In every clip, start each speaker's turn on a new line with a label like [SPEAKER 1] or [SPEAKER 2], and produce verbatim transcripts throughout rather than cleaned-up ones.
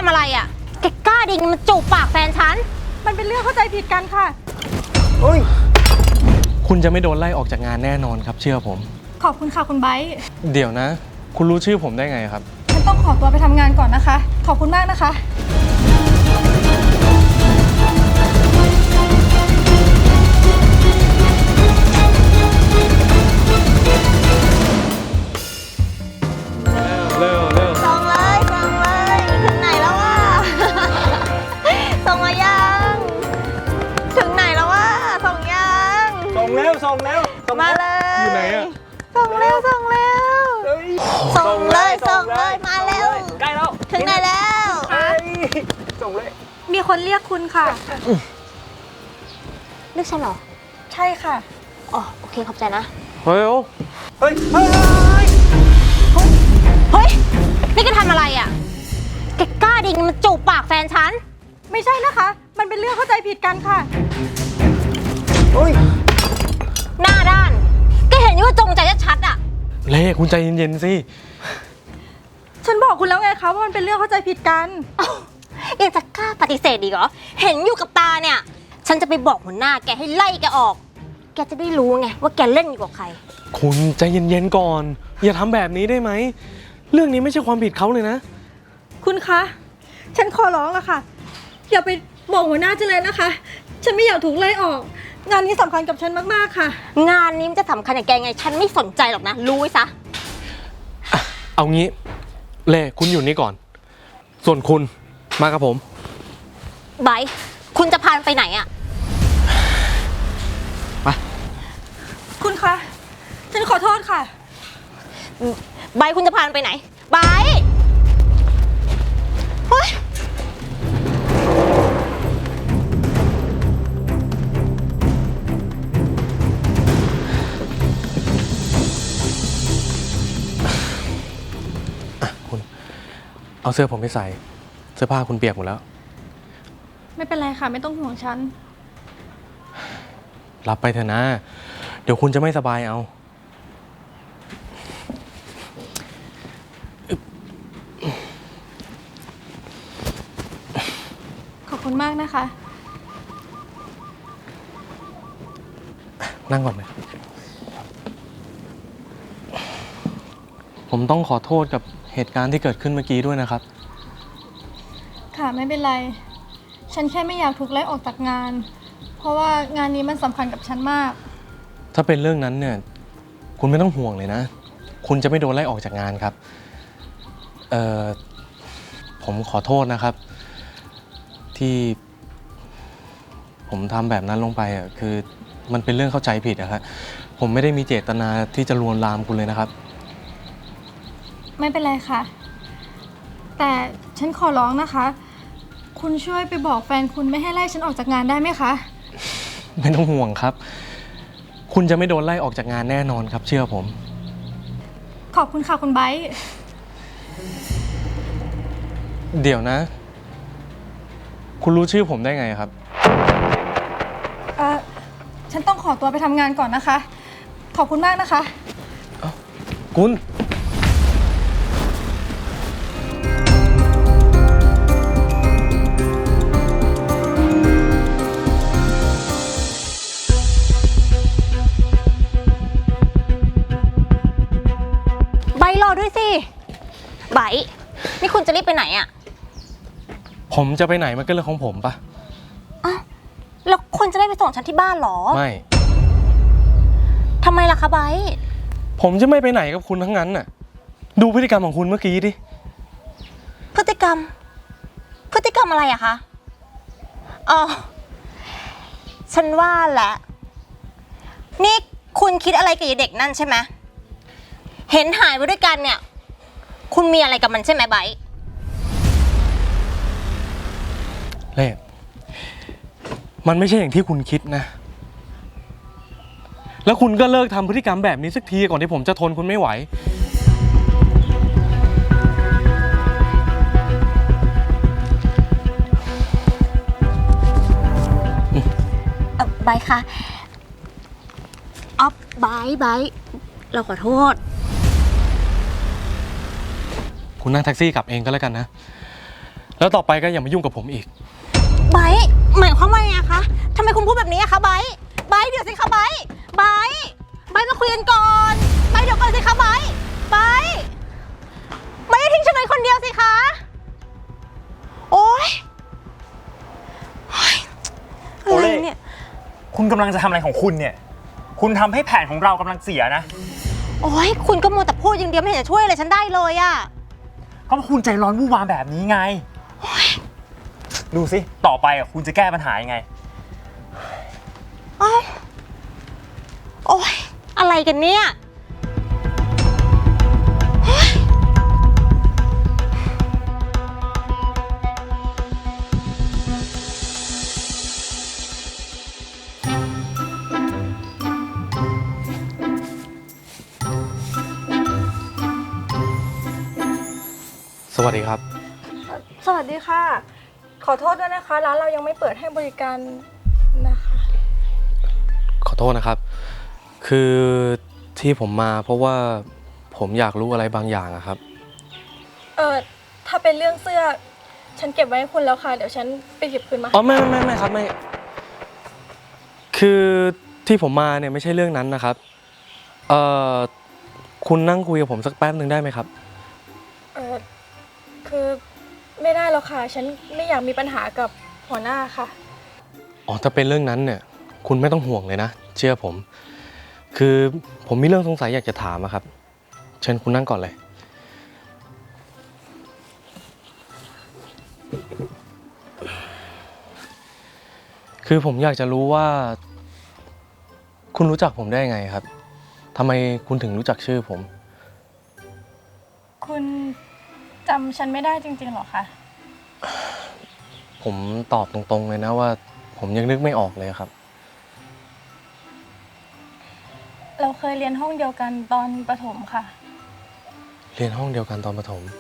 [SPEAKER 1] อะไรอ่ะแกกล้าดิงมาจูบปากแฟนฉัน
[SPEAKER 2] มันเป็นเรื่องเข้าใจผิดกันค่ะ
[SPEAKER 3] เฮ้ยคุณจะไม่โดนไล่ออกจากงานแน่นอนครับเชื่อผม
[SPEAKER 2] ขอบคุณค่ะคุณไบร์ท
[SPEAKER 3] เดี๋ยวนะคุณรู้ชื่อผมได้ไงครับ
[SPEAKER 2] ฉันต้องขอตัวไปทำงานก่อนนะคะขอบคุณมากนะคะ
[SPEAKER 3] เร็วเร็ว
[SPEAKER 1] ส่งเลยส่งเลยถึงไหนแล้ววะส่งมายังถึงไหนแล้ววะส่งยัง
[SPEAKER 3] ส่งเร็วส่งเร็ว
[SPEAKER 1] มาเลย
[SPEAKER 3] อยู่ไหนอะ
[SPEAKER 1] ส่งเร็วส่งเร็วส่งเลยส่งเลยมาเร็ว
[SPEAKER 3] ใกล้แล้ว
[SPEAKER 1] ถึงไหนแล้ว
[SPEAKER 3] ส่งเลย
[SPEAKER 2] มีคนเรียกคุณค่ะ
[SPEAKER 1] เรียกฉันเหรอ
[SPEAKER 2] ใช่ค่ะ
[SPEAKER 1] อ๋อโอเคขอบใจนะ
[SPEAKER 3] เฮ้ยเฮ้ยเฮ้ย
[SPEAKER 1] เฮ้ยนี่แกทำอะไรอ่ะแกกล้าดิงมาจูบปากแฟนฉัน
[SPEAKER 2] ไม่ใช่นะคะมันเป็นเรื่องเข้าใจผิดกันค่ะ
[SPEAKER 3] เฮ้ย
[SPEAKER 1] หน้าด้านแกเห็นอยู่ว่าจงใจชัดๆอ่ะ
[SPEAKER 3] เล่คุณใจเย็นๆสิ
[SPEAKER 2] ฉันบอกคุณแล้วไงคะว่ามันเป็นเรื่องเข้าใจผิดกัน
[SPEAKER 1] ยังจะกล้าปฏิเสธอีกเหรอเห็นอยู่กับตาเนี่ยฉันจะไปบอกหัวหน้าแกให้ไล่แกออกแกจะได้รู้ไงว่าแกเล่นอยู่กับใคร
[SPEAKER 3] คุณใจเย็นๆก่อนอย่าทำแบบนี้ได้ไหมเรื่องนี้ไม่ใช่ความผิดเขาเลยนะ
[SPEAKER 2] คุณคะฉันขอร้องละค่ะอย่าไปบอกหัวหน้าฉันเลยนะคะฉันไม่อยากถูกไล่ออกงานนี้สำคัญกับฉันมากๆค่ะ
[SPEAKER 1] งานนี้มันจะสำคัญกับแกไงฉันไม่สนใจหรอกนะรู้ไว้ซะ
[SPEAKER 3] เอางี้เล่คุณอยู่นี่ก่อนส่วนคุณมากับผม
[SPEAKER 1] ไบร์ทคุณจะพาไปไหนอะ
[SPEAKER 3] ไป
[SPEAKER 2] คุณคะฉันขอโทษค่ะ
[SPEAKER 1] ไบร์ทคุณจะพาไปไหนไบร์ทเฮ้ย
[SPEAKER 3] คุณเอาเสื้อผมไปใส่เสื้อผ้าคุณเปียกหมดแล้ว
[SPEAKER 2] ไม่เป็นไรค่ะไม่ต้องห่วงฉัน
[SPEAKER 3] รับไปเถอะนะเดี๋ยวคุณจะไม่สบายเอา
[SPEAKER 2] ขอบคุณมากนะคะ
[SPEAKER 3] นั่งก่อนเลยผมต้องขอโทษกับเหตุการณ์ที่เกิดขึ้นเมื่อกี้ด้วยนะครับ
[SPEAKER 2] ค่ะไม่เป็นไรฉันแค่ไม่อยากถูกไล่ออกจากงานเพราะว่างานนี้มันสำคัญกับฉันมาก
[SPEAKER 3] ถ้าเป็นเรื่องนั้นเนี่ยคุณไม่ต้องห่วงเลยนะคุณจะไม่โดนไล่ออกจากงานครับเอ่อผมขอโทษนะครับที่ผมทำแบบนั้นลงไปอ่ะคือมันเป็นเรื่องเข้าใจผิดนะครับผมไม่ได้มีเจตนาที่จะลวนลามคุณเลยนะครับ
[SPEAKER 2] ไม่เป็นไรค่ะแต่ฉันขอร้องนะคะคุณช่วยไปบอกแฟนคุณไม่ให้ไล่ฉันออกจากงานได้ไหมคะ
[SPEAKER 3] ไม่ต้องห่วงครับคุณจะไม่โดนไล่ออกจากงานแน่นอนครับเชื่อผม
[SPEAKER 2] ขอบคุณค่ะคุณไบร์ท
[SPEAKER 3] เดี๋ยวนะคุณรู้ชื่อผมได้ไงครับ
[SPEAKER 2] เอ่อฉันต้องขอตัวไปทำงานก่อนนะคะขอบคุณมากนะคะ
[SPEAKER 3] คุณ
[SPEAKER 1] รอด้วยสิไบร์ทนี่คุณจะรีบไปไหนอะ
[SPEAKER 3] ผมจะไปไหนมันก็เรื่องของผมปะ
[SPEAKER 1] อ้าวแล้วคุณจะได้ไปส่งฉันที่บ้านหรอ
[SPEAKER 3] ไม่
[SPEAKER 1] ทำไมล่ะคะไบร์ท
[SPEAKER 3] ผมจะไม่ไปไหนกับคุณทั้งนั้นน่ะดูพฤติกรรมของคุณเมื่อกี้ดิ
[SPEAKER 1] พฤติกรรมพฤติกรรมอะไรอะคะอ๋อฉันว่าแหละนี่คุณคิดอะไรกับเด็กนั่นใช่ไหมเห็นหายไปด้วยกันเนี่ยคุณมีอะไรกับมันใช่ไหมไบร์ท
[SPEAKER 3] เล่มันไม่ใช่อย่างที่คุณคิดนะแล้วคุณก็เลิกทำพฤติกรรมแบบนี้สักทีก่อนที่ผมจะทนคุณไม่ไหว
[SPEAKER 1] ไบร์ทคะอ๊อฟไบร์ทไบร์ทเราขอโทษ
[SPEAKER 3] คุณนั่งแท็กซี่กลับเองก็แล้วกันนะแล้วต่อไปก็อย่ามายุ่งกับผมอีก
[SPEAKER 1] ไบร์ทหมายความว่าไงคะทำไมคุณพูดแบบนี้อะคะไบร์ทไบร์ทเดี๋ยวสิคะไบร์ทไบร์ทไบร์ทมาคุยกันก่อนไบร์ทเดี๋ยวก่อนสิคะไบร์ทไบร์ทไบร์ทอย่าทิ้งฉันไว้คนเดียวสิคะโอ๊ยโอ๊ยอะไรเนี่ย
[SPEAKER 4] คุณกำลังจะทำอะไรของคุณเนี่ยคุณทำให้แผนของเรากำลังเสียนะ
[SPEAKER 1] โอ๊ยคุณก็มัวแต่พูดอย่างเดียวไม่เห็นจะช่วยอะไรฉันได้เลยอะ
[SPEAKER 4] เพราะคุณใจร้อนวู่วามแบบนี้ไงดูสิต่อไปอ่ะคุณจะแก้ปัญหายังไง
[SPEAKER 1] อ้าวโอ๊ยอะไรกันเนี่ยเฮ้ย
[SPEAKER 3] สวัสดีครับ
[SPEAKER 2] สวัสดีค่ะ ขอโทษด้วยนะคะ ร้านเรายังไม่เปิดให้บริการนะคะ
[SPEAKER 3] ขอโทษนะครับ คือที่ผมมาเพราะว่าผมอยากรู้อะไรบางอย่างอะครับ
[SPEAKER 2] เออถ้าเป็นเรื่องเสื้อ ฉันเก็บไว้ให้คุณแล้วค่ะ เดี๋ยวฉันไปหยิบคืนมา
[SPEAKER 3] อ๋อไม่ไม่ไม่ไม่ครับไม่ คือที่ผมมาเนี่ยไม่ใช่เรื่องนั้นนะครับ เอ่อคุณนั่งคุยกับผมสักแป๊บหนึ่งได้ไหมครับ
[SPEAKER 2] เออคือไม่ได้หรอกค่ะ ฉันไม่อยากมีปัญหากับหัวหน้าค่ะ
[SPEAKER 3] อ๋อถ้าเป็นเรื่องนั้นเนี่ยคุณไม่ต้องห่วงเลยนะเชื่อผม คือผมมีเรื่องสงสัยอยากจะถามอะครับ เชิญคุณนั่งก่อนเลย คือผมอยากจะรู้ว่า คุณรู้จักผมได้ไงครับทำไมคุณถึงรู้จักชื่อผม
[SPEAKER 2] คุณจำฉันไม่ได้จริงๆหรอคะ
[SPEAKER 3] ผมตอบตรงๆเลยนะว่า ผมยังนึกไม่ออกเลยครับ
[SPEAKER 2] เราเคยเรียนห้องเดียวกันตอนประถมค่ะ
[SPEAKER 3] เรียนห้องเดียวกันตอนประถม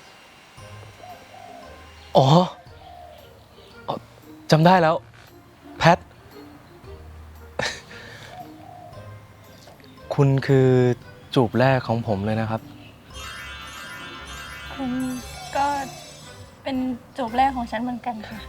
[SPEAKER 3] อ๋ออ๋อจำได้แล้ว แพท คุณคือจูบแรกของผมเลยนะครับ
[SPEAKER 2] คุณก็เป็นจูบแรกของฉันเหมือนกันค่ะ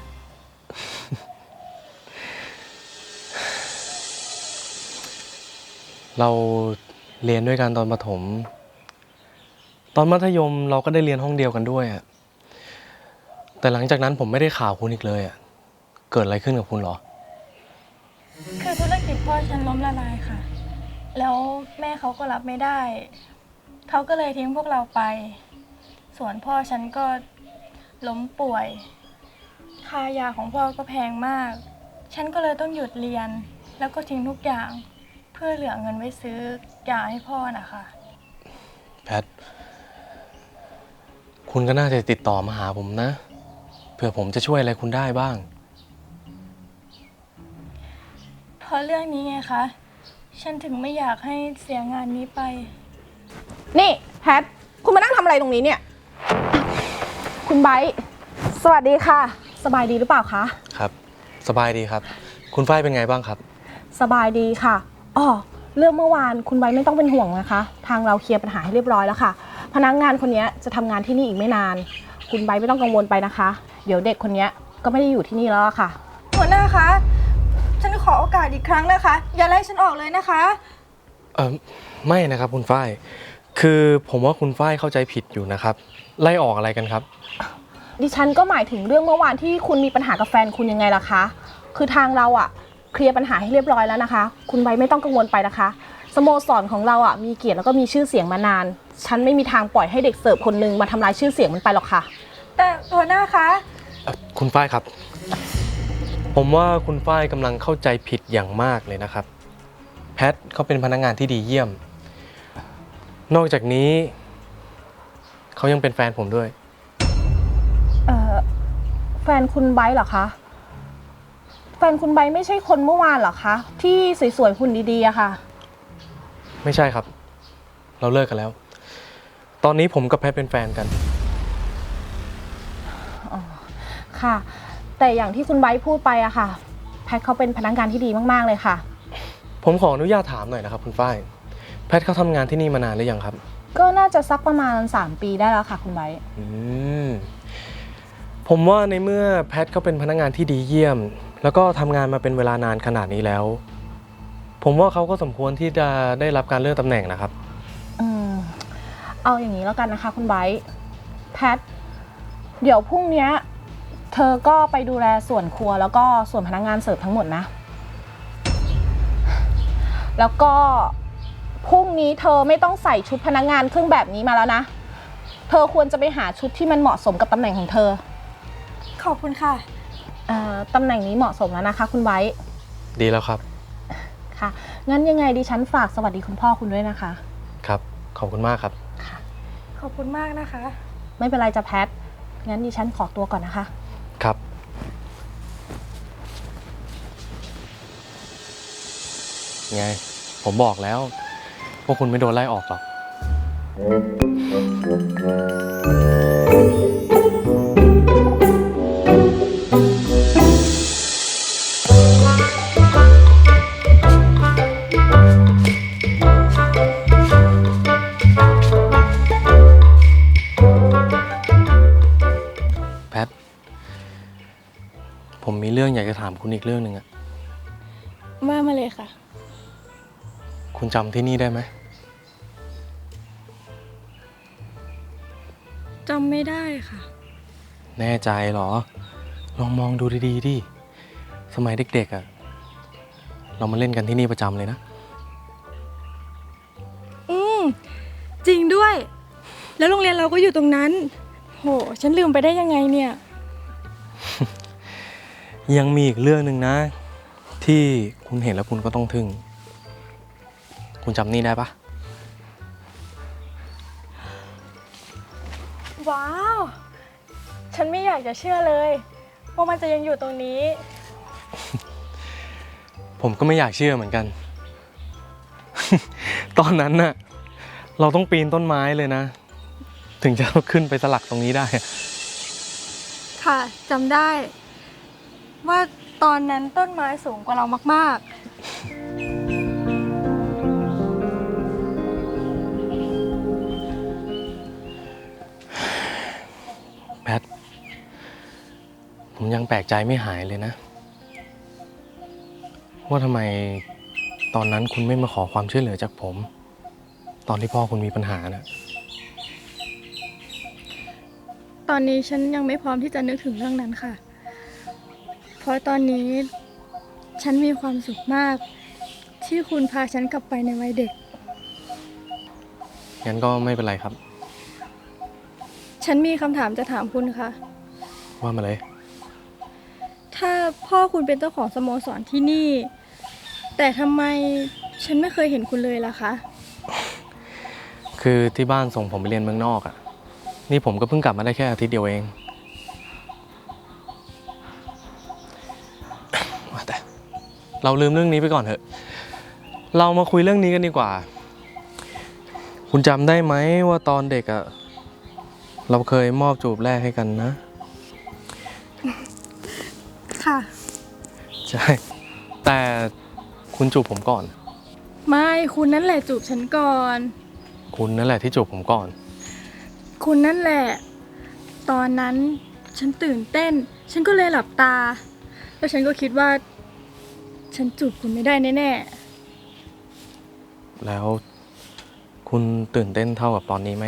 [SPEAKER 3] เราเรียนด้วยกันตอนประถม ตอนมัธยมเราก็ได้เรียนห้องเดียวกันด้วยอะแต่หลังจากนั้นผมไม่ได้ข่าวคุณอีกเลยอะเกิดอะไรขึ้นกับคุณเหรอ
[SPEAKER 2] คือธุรกิจพ่อฉันล้มละลายค่ะ แล้วแม่เขาก็รับไม่ได้ เขาก็เลยทิ้งพวกเราไป ส่วนพ่อฉันก็ล้มป่วย ค่ายาของพ่อก็แพงมาก ฉันก็เลยต้องหยุดเรียน แล้วก็ทิ้งทุกอย่าง เพื่อเหลือเงินไว้ซื้อยาให้พ่อนะคะ
[SPEAKER 3] แพท คุณก็น่าจะติดต่อมาหาผมนะ เผื่อผมจะช่วยอะไรคุณได้บ้าง
[SPEAKER 2] เพราะเรื่องนี้ไงคะ ฉันถึงไม่อยากให้เสียงานนี้ไป
[SPEAKER 5] นี่แพท คุณมานั่งทำอะไรตรงนี้เนี่ย คุณไบร์ทสวัสดีค่ะ สบายดีหรือเปล่าคะ
[SPEAKER 3] ครับ สบายดีครับ คุณฝ้ายเป็นไงบ้างครับ
[SPEAKER 5] สบายดีค่ะอ๋อเรื่องเมื่อวานคุณไบร์ทไม่ต้องเป็นห่วงนะคะ ทางเราเคลียร์ปัญหาให้เรียบร้อยแล้วค่ะ พนักงานคนนี้จะทำงานที่นี่อีกไม่นาน คุณไบร์ทไม่ต้องกังวลไปนะคะ เดี๋ยวเด็กคนนี้ก็ไม่ได้อยู่ที่นี่แล้วอะค่ะ
[SPEAKER 2] หัวหน้าคะ ฉันขอโอกาสอีกครั้งนะคะ อย่าไล่ฉันออกเลยนะคะ
[SPEAKER 3] เออไม่นะครับคุณฝ้าย คือผมว่าคุณฝ้ายเข้าใจผิดอยู่นะครับ ไล่ออกอะไรกันครับ
[SPEAKER 5] ดิฉันก็หมายถึงเรื่องเมื่อวานที่คุณมีปัญหากับแฟนคุณยังไงล่ะคะ คือทางเราอะเคลียร์ปัญหาให้เรียบร้อยแล้วนะคะ คุณไบร์ทไม่ต้องกังวลไปนะคะ สโมสรของเราอะมีเกียรติแล้วก็มีชื่อเสียงมานาน ฉันไม่มีทางปล่อยให้เด็กเสิร์ฟคนนึงมาทำลายชื่อเสียงมันไปหรอกค่ะ
[SPEAKER 2] แต่หัวหน้าคะ
[SPEAKER 3] เอ่อคุณฝ้ายครับ ผมว่าคุณฝ้ายกำลังเข้าใจผิดอย่างมากเลยนะครับ แพทเขาเป็นพนักงานที่ดีเยี่ยม นอกจากนี้ เขายังเป็นแฟนผมด้วย
[SPEAKER 5] เอ่อแฟนคุณไบร์ทเหรอคะ แฟนคุณไบร์ทไม่ใช่คนเมื่อวานเหรอคะ ที่สวยๆหุ่นดีๆอะค่ะ
[SPEAKER 3] ไม่ใช่ครับ เราเลิกกันแล้ว ตอนนี้ผมกับแพทเป็นแฟนกัน
[SPEAKER 5] ค่ะ แต่อย่างที่คุณไบร์ทพูดไปอะค่ะ แพทเขาเป็นพนักงานที่ดีมากๆเลยค่ะ
[SPEAKER 3] ผมขออนุญาตถามหน่อยนะครับคุณฝ้าย แพทเขาทำงานที่นี่มานานหรือยังครับ
[SPEAKER 5] ก็น่าจะสักประมาณสามปีได้แล้วค่ะคุณไบร์ท
[SPEAKER 3] อืมผมว่าในเมื่อแพทเขาเป็นพนักงานที่ดีเยี่ยม แล้วก็ทำงานมาเป็นเวลานานขนาดนี้แล้ว ผมว่าเขาก็สมควรที่จะได้รับการเลื่อนตำแหน่งนะครับ
[SPEAKER 5] อืมเอาอย่างนี้แล้วกันนะคะคุณไบร์ทแพท เดี๋ยวพรุ่งเนี้ยเธอก็ไปดูแลส่วนครัวแล้วก็ส่วนพนักงานเสิร์ฟทั้งหมดนะ แล้วก็พรุ่งนี้เธอไม่ต้องใส่ชุดพนักงานเครื่องแบบนี้มาแล้วนะ เธอควรจะไปหาชุดที่มันเหมาะสมกับตำแหน่งของเธอ
[SPEAKER 2] ขอบคุณค่ะ
[SPEAKER 5] เอ่อตำแหน่งนี้เหมาะสมแล้วนะคะคุณไบร์ท
[SPEAKER 3] ดีแล้วครับ
[SPEAKER 5] ค่ะ งั้นยังไงดิฉันฝากสวัสดีคุณพ่อคุณด้วยนะคะ
[SPEAKER 3] ครับ ขอบคุณมากครับ
[SPEAKER 2] ขอบคุณมากนะคะ
[SPEAKER 5] ไม่เป็นไรจะแพท งั้นดิฉันขอตัวก่อนนะคะ
[SPEAKER 3] ครับ ไง ผมบอกแล้วว่าคุณไม่โดนไล่ออกหรอก แพท ผมมีเรื่องอยากจะถามคุณอีกเรื่องหนึ่งอะ
[SPEAKER 2] ว่ามาเลยค่ะ
[SPEAKER 3] คุณจำที่นี่ได้ไหม
[SPEAKER 2] จำไม่ได้ค่ะ
[SPEAKER 3] แน่ใจเหรอ ลองมองดูดีๆดิ สมัยเด็กๆอะเรามาเล่นกันที่นี่ประจำเลยนะ
[SPEAKER 2] อืม จริงด้วย แล้วโรงเรียนเราก็อยู่ตรงนั้น โห ฉันลืมไปได้ยังไงเนี่ย
[SPEAKER 3] ยังมีอีกเรื่องหนึ่งนะ ที่คุณเห็นแล้วคุณก็ต้องทึ่ง คุณจำนี่ได้ปะ
[SPEAKER 2] ว้าว ฉันไม่อยากจะเชื่อเลยว่ามันจะยังอยู่ตรงนี้
[SPEAKER 3] ผมก็ไม่อยากเชื่อเหมือนกัน ตอนนั้นน่ะ เราต้องปีนต้นไม้เลยนะ ถึงจะขึ้นไปสลักตรงนี้ได้
[SPEAKER 2] ค่ะจำได้ ว่าตอนนั้นต้นไม้สูงกว่าเรามาก
[SPEAKER 3] แพท ผมยังแปลกใจไม่หายเลยนะ ว่าทำไมตอนนั้นคุณไม่มาขอความช่วยเหลือจากผม ตอนที่พ่อคุณมีปัญหานะ
[SPEAKER 2] ๆ ตอนนี้ฉันยังไม่พร้อมที่จะนึกถึงเรื่องนั้นค่ะ เพราะตอนนี้ฉันมีความสุขมาก ที่คุณพาฉันกลับไปในวัยเด็ก
[SPEAKER 3] งั้นก็ไม่เป็นไรครับ
[SPEAKER 2] ฉันมีคำถามจะถามคุณค่ะ
[SPEAKER 3] ว่ามาเลย
[SPEAKER 2] ถ้าพ่อคุณเป็นเจ้าของสโมสรที่นี่ แต่ทำไมฉันไม่เคยเห็นคุณเลยล่ะคะ
[SPEAKER 3] คือที่บ้านส่งผมไปเรียนเมืองนอกอะ่ะ นี่ผมก็เพิ่งกลับมาได้แค่อาทิตย์เดียวเอง ว่าแต่เราลืมเรื่องนี้ไปก่อนเถอะ เรามาคุยเรื่องนี้กันดีกว่า คุณจำได้ไหมว่าตอนเด็กอะ่ะ เราเคยมอบจูบแรกให้กันนะ
[SPEAKER 2] ค่ะ
[SPEAKER 3] ใช่ แต่คุณจูบผมก่อน
[SPEAKER 2] ไม่คุณนั่นแหละจูบฉันก่อน
[SPEAKER 3] คุณนั่นแหละที่จูบผมก่อน
[SPEAKER 2] คุณนั่นแหละ ตอนนั้นฉันตื่นเต้น ฉันก็เลยหลับตา แล้วฉันก็คิดว่า ฉันจูบคุณไม่ได้แน่
[SPEAKER 3] แล้วคุณตื่นเต้นเท่ากับตอนนี้ไหม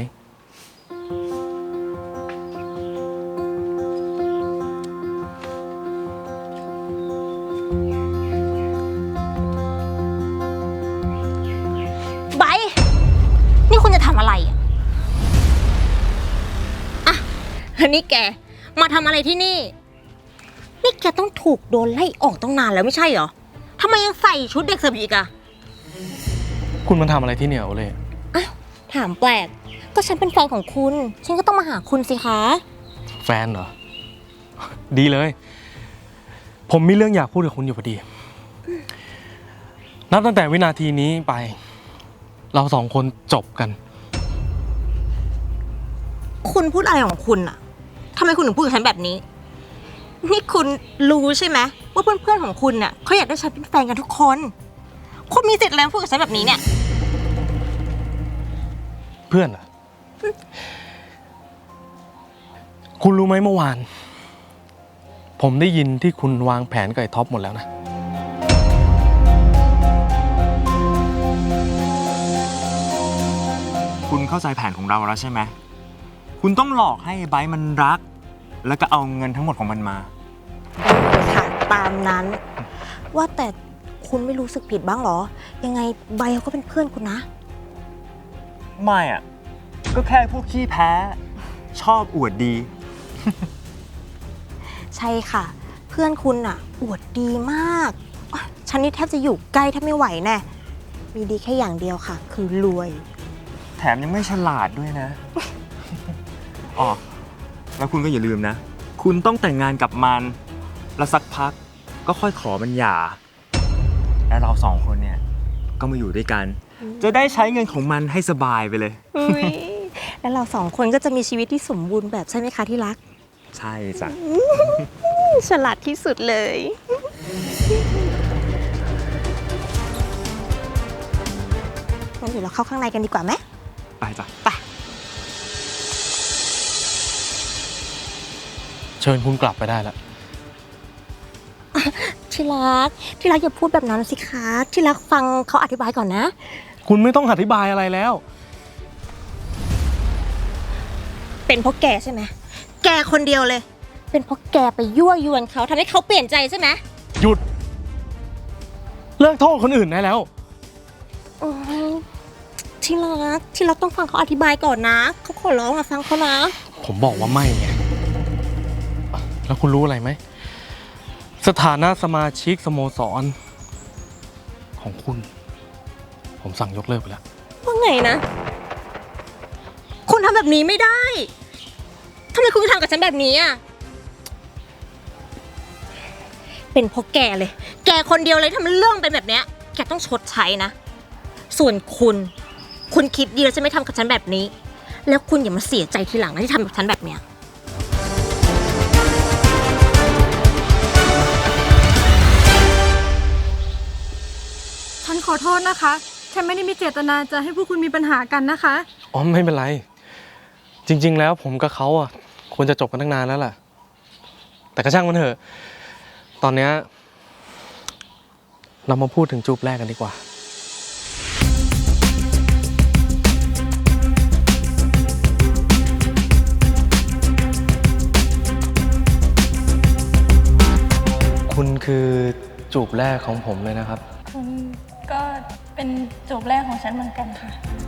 [SPEAKER 1] ไบร์ทนี่คุณจะทำอะไรอะอะแล้วนี่แก มาทำอะไรที่นี่ นี่แกต้องถูกโดนไล่ออกตั้งนานแล้วไม่ใช่เหรอทำไมยังใส่ชุดเด็กเสิร์ฟอีกอะ
[SPEAKER 3] คุณมันทำอะไรที่เนี่ยโอเล่
[SPEAKER 1] อ้าวถามแปลก ก็ฉันเป็นแฟนของคุณ ฉันก็ต้องมาหาคุณสิคะ
[SPEAKER 3] แฟนเหรอ ดีเลย ผมมีเรื่องอยากพูดกับคุณอยู่พอดี นับตั้งแต่วินาทีนี้ไป เราสองคนจบกัน
[SPEAKER 1] คุณพูดอะไรของคุณอะทำไมคุณถึงพูดกับฉันแบบนี้ นี่คุณรู้ใช่ไหมว่าเพื่อนๆของคุณน่ะเขาอยากได้ฉันเป็นแฟนกันทุกคน คุณมีสิทธิ์อะไรมาพูดกับฉันแบบนี้เนี่ย
[SPEAKER 3] เพื่อนเหรอ คุณรู้ไหมเมื่อวานผมได้ยินที่คุณวางแผนกับไอ้ท็อปหมดแล้วนะ
[SPEAKER 4] คุณเข้าใจแผนของเราแล้วใช่ไหม คุณต้องหลอกให้ไบร์ทมันรัก แล้วก็เอาเงินทั้งหมดของมันมา
[SPEAKER 1] ได้ค่ะตามนั้น ว่าแต่คุณไม่รู้สึกผิดบ้างเหรอ ยังไงใบเขาก็เป็นเพื่อนคุณนะ
[SPEAKER 4] ไม่อะก็แค่พวกขี้แพ้ ชอบอวดดี
[SPEAKER 1] ใช่ค่ะ เพื่อนคุณอะอวดดีมากอ๊ะฉันนี่แทบจะอยู่ใกล้แทบไม่ไหวแน่มีดีแค่อย่างเดียวค่ะ คือรวย
[SPEAKER 4] แถมยังไม่ฉลาดด้วยนะ อ๋อ แล้วคุณก็อย่าลืมนะ คุณต้องแต่งงานกับมัน แล้วสักพักก็ค่อยขอมันหย่า แล้วเราสองคนเนี่ย ก็มาอยู่ด้วยกัน จะได้ใช้เงินของมันให้สบายไปเลย
[SPEAKER 1] อุ๊ยแล้วเราสองคนก็จะมีชีวิตที่สมบูรณ์แบบใช่ไหมคะที่รัก
[SPEAKER 4] ใช่จ้ะ
[SPEAKER 1] ฉลาดที่สุดเลยงั้นเดี๋ยวเราเข้าข้างในกันดีกว่าไหม
[SPEAKER 4] ไปจ้ะ
[SPEAKER 3] เชิญคุณกลับไปได้แล้ว
[SPEAKER 1] ที่รัก ที่รักอย่าพูดแบบนั้นสิคะ ที่รักฟังเขาอธิบายก่อนนะ
[SPEAKER 3] คุณไม่ต้องอธิบายอะไรแล้ว
[SPEAKER 1] เป็นเพราะแกใช่ไหม แกคนเดียวเลย เป็นเพราะแกไปยั่วยวนเขาทำให้เขาเปลี่ยนใจใช่ไหม
[SPEAKER 3] หยุด เลิกโทษคนอื่นได้แล้ว
[SPEAKER 1] โอ้ยที่รัก ที่รักต้องฟังเขาอธิบายก่อนนะ เขาขอร้องอะฟังเขานะ
[SPEAKER 3] ผมบอกว่าไม่ไง แล้วคุณรู้อะไรไหม สถานะสมาชิกสโมสร ของคุณ ผมสั่งยกเลิกไปแล้ว
[SPEAKER 1] ว่าไงนะ คุณทำแบบนี้ไม่ได้ ทำไมคุณทำกับฉันแบบนี้อ่ะ เป็นเพราะแกเลย แกคนเดียวเลยทำเรื่องเป็นแบบเนี้ย แกต้องชดใช้นะ ส่วนคุณ คุณคิดดีแล้วจะไม่ทำกับฉันแบบนี้ แล้วคุณอย่ามาเสียใจทีหลังนะที่ทำกับฉันแบบเนี้ย
[SPEAKER 2] ฉันขอโทษนะคะ ฉันไม่ได้มีเจตนาจะให้พวกคุณมีปัญหากันนะคะ
[SPEAKER 3] อ๋อไม่เป็นไร จริง ๆ แล้วผมกับเขาอ่ะควรจะจบกันตั้งนานแล้วล่ะ แต่ก็ช่างมันเถอะ ตอนเนี้ยเรามาพูดถึงจูบแรกกันดีกว่า คุณคือจูบแรกของผมเลยนะครับ
[SPEAKER 2] คุณก็เป็นจูบแรกของฉันเหมือนกันค่ะ